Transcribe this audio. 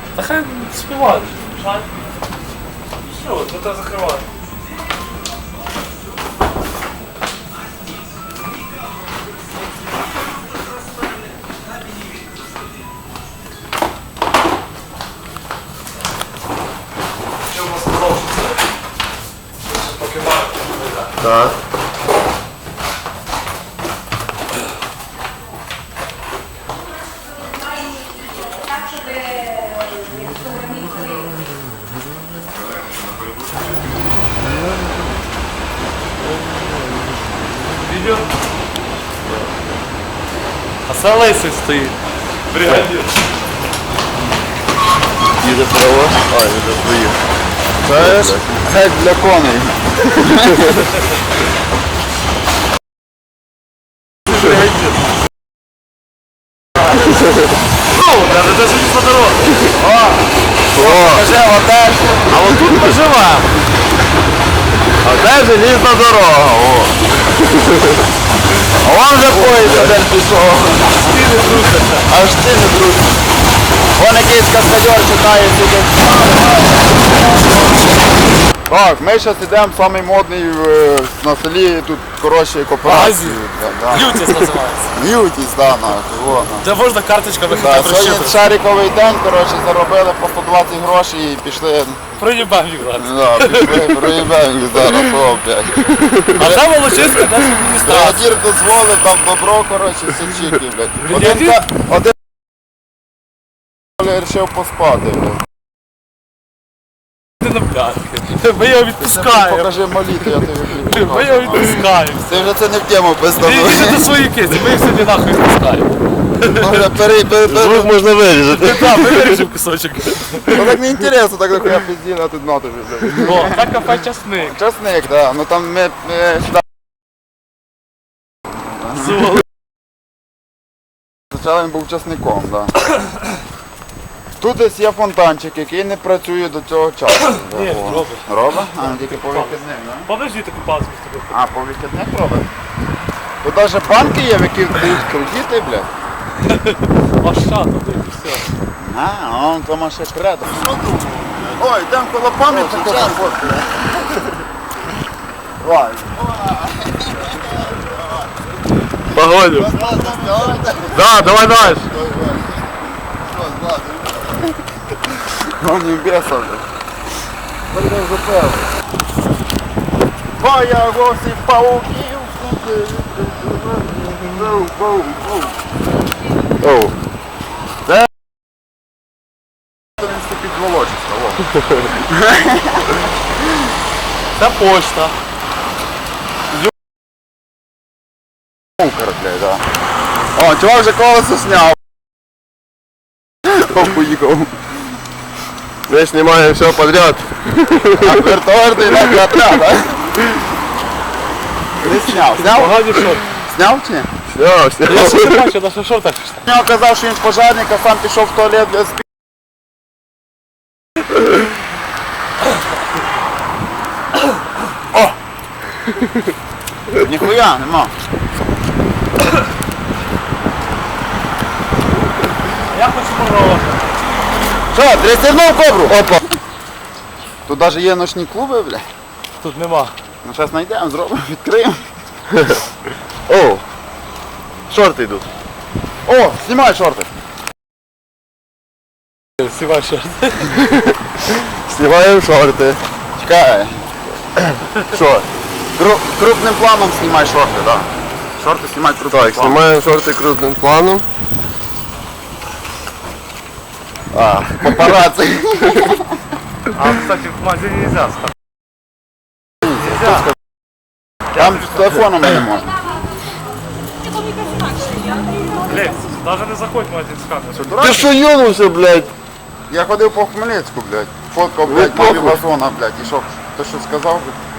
Та хай співають. Все, ну так закривай. Так. Видео? А це лисий стоїть. Бригадир. Їде право. А, їде свої. Це ж геть для коней. Даже не по дорозі. Покажи, отель. А от тут ми живемо. Оце желізна дорога. О. А вон вже поїзд один пішов. Аж ти не трусишся. Вон якийсь каскадер читає сидить. Так, ми зараз йдемо в самий модний на селі, тут, коротше, кооперацію. Ютіс називається. Ютіс, так, нахуй. Де можна карточками Да, хотя б сьогодні розчитати. шариковий день, коротше, заробили по 120 грошей і пішли. Проїбав їх. Да, пішли, проїбаємо зараз, о, блядь. А там Волочиська наша адміністрація. Бригадір дозволив, дав добро, коротше, все чіки, блядь. Бригадір? Один вирішив поспати, блядь. Ти на п'ятки. Ми його відпускаємо. Покажи моліту, я тобі Ми його відпускаємо. Ти вже це не в тему Ти пизданув. до своєї кисті, ми їх собі нахуй відпускаємо. Звук можна вирізати. Так, ми вирішив кусочок. Ну так не інтересно, так нахуя пизділи, а тут на тобі, блядь. О, це кафе часник. Часник, да, ну там ми сюди. Спочатку він був часником, да. Тут десь є фонтанчик, який не працює до цього часу. Ні, О. робить. Робить? А, тільки по вихідних, да? Подожди, ти купався з тобою. А, по вихідних робить? Тут навіть банки є, в які дають кредити, блядь. А що тут і все. А, он там ще кредит. Ой, йдемо коло пам'ятника. Ой. Погодю. Да, давай дальше. Он не беса, блядь. Боя гості пауків. Оу. Це під Волочиська, во. Це почта. Блядь, да. О, чувак вже колесо сняв. О, поїхав. Мы снимаем все подряд. А вертолетний на отряд, да? Ти сняв? Сняв? Погоді що? Сняв чи ні? Все. Я ще не бачу, на що шортах. Він казав, що він пожарник, а сам пішов в туалет для спі... О! Ніхуя, нема. Я хочу попробувати. Що, дрестернув кобру? Опа. Тут навіть є ночні клуби, бля. Тут нема. Ну зараз знайдемо, зробимо, відкриємо. О, шорты идут. О, знімай шорти. Сівай шорти. Снимаем шорты. Чекай. Що? Крупним планом знімай шорти, да. Шорти знімай крупним Так, планом. снимаем шорты крупным планом. А, папарацци. А, кстати, в магазине нельзя ставить. Там з телефоном не можна. Блять, даже не заходь в магазин с камерой. Ты что ёнулся, блядь? Я ходив по Хмельницьку, блядь. Фоткав, блядь, похуй. пів вазона, блядь. І що, ти що сказав, блядь?